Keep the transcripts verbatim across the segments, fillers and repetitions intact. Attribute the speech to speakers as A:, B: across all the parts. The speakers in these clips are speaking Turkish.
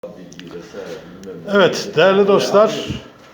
A: Evet, değerli dostlar,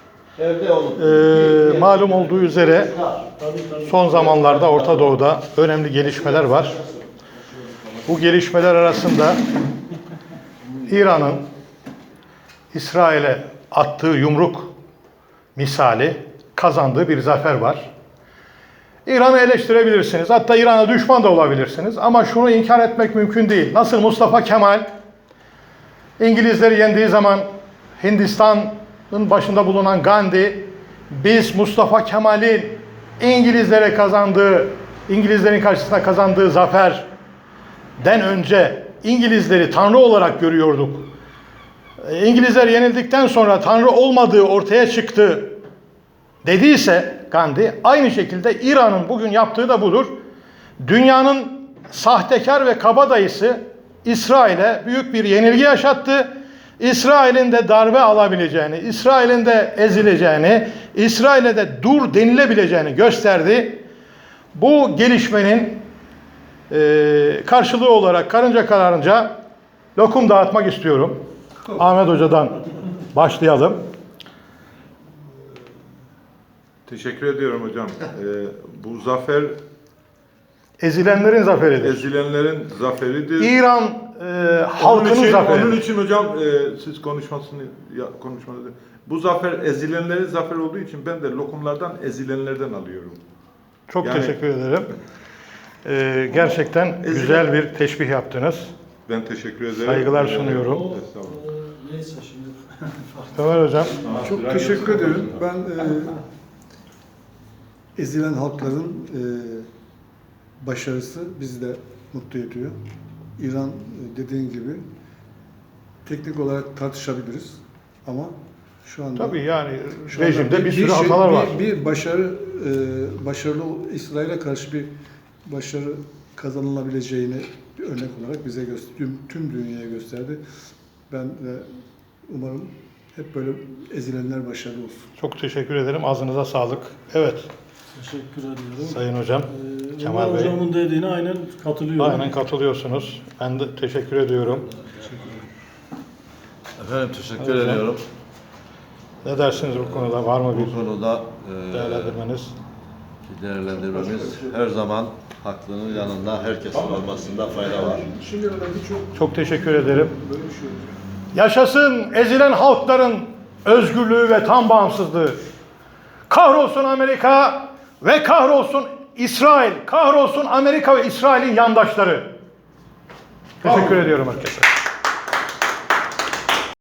A: e, malum olduğu üzere son zamanlarda Orta Doğu'da önemli gelişmeler var. Bu gelişmeler arasında İran'ın İsrail'e attığı yumruk misali kazandığı bir zafer var. İran'ı eleştirebilirsiniz, hatta İran'a düşman da olabilirsiniz ama şunu inkar etmek mümkün değil. Nasıl Mustafa Kemal İngilizleri yendiği zaman Hindistan'ın başında bulunan Gandhi, biz Mustafa Kemal'in İngilizlere kazandığı, İngilizlerin karşısında kazandığı zaferden önce İngilizleri Tanrı olarak görüyorduk. İngilizler yenildikten sonra Tanrı olmadığı ortaya çıktı dediyse Gandhi, aynı şekilde İran'ın bugün yaptığı da budur. Dünyanın sahtekar ve kabadayısı İsrail'e büyük bir yenilgi yaşattı. İsrail'in de darbe alabileceğini, İsrail'in de ezileceğini, İsrail'e de dur denilebileceğini gösterdi. Bu gelişmenin e, karşılığı olarak karınca kararınca lokum dağıtmak istiyorum. Ahmet Hoca'dan başlayalım.
B: Teşekkür ediyorum hocam. Ee, bu zafer
A: Ezilenlerin zaferidir.
B: ezilenlerin zaferidir.
A: İran e, halkının
B: onun için,
A: zaferidir.
B: Onun için hocam e, siz konuşmasını ya, konuşmanızı. Bu zafer ezilenlerin zaferi olduğu için ben de lokumlardan ezilenlerden alıyorum.
A: Çok
B: Yani,
A: teşekkür ederim. Ee, gerçekten
B: ezilen,
A: güzel bir teşbih yaptınız.
B: Ben teşekkür ederim.
A: Saygılar sunuyorum.
C: Neyse şimdi.
A: Ömer Hocam.
D: Çok teşekkür ederim. Ben e, ezilen halkların e, başarısı bizi de mutlu ediyor. İran e, dediğin gibi teknik olarak tartışabiliriz ama şu anda
A: Tabii yani
D: şu anda
A: rejimde bir sürü
D: şey-
A: hatalar
D: bir,
A: var.
D: Bir başarı e, başarılı İsrail'e karşı bir başarı kazanılabileceğini bir örnek olarak bize göster, tüm, tüm dünyaya gösterdi. Ben de umarım hep böyle ezilenler başarılı olsun.
A: Çok teşekkür ederim. Ağzınıza sağlık. Evet.
C: Teşekkür ediyorum.
A: Sayın Hocam.
C: Ee,
A: Kemal
C: Ömer
A: Bey.
C: Hocamın dediğine aynen katılıyorum.
A: Aynen katılıyorsunuz. Ben de teşekkür ediyorum.
E: Efendim teşekkür
A: Hocam.
E: ediyorum.
A: Ne dersiniz bu konuda? Var mı
E: Bu
A: bir
E: konuda e,
A: değerlendirmeniz?
E: değerlendirmemiz her zaman haklının yanında herkesin olmasında fayda var.
A: Çok teşekkür ederim. Yaşasın ezilen halkların özgürlüğü ve tam bağımsızlığı. Kahrolsun Amerika ve kahrolsun İsrail. Kahrolsun Amerika ve İsrail'in yandaşları. Teşekkür ediyorum herkese.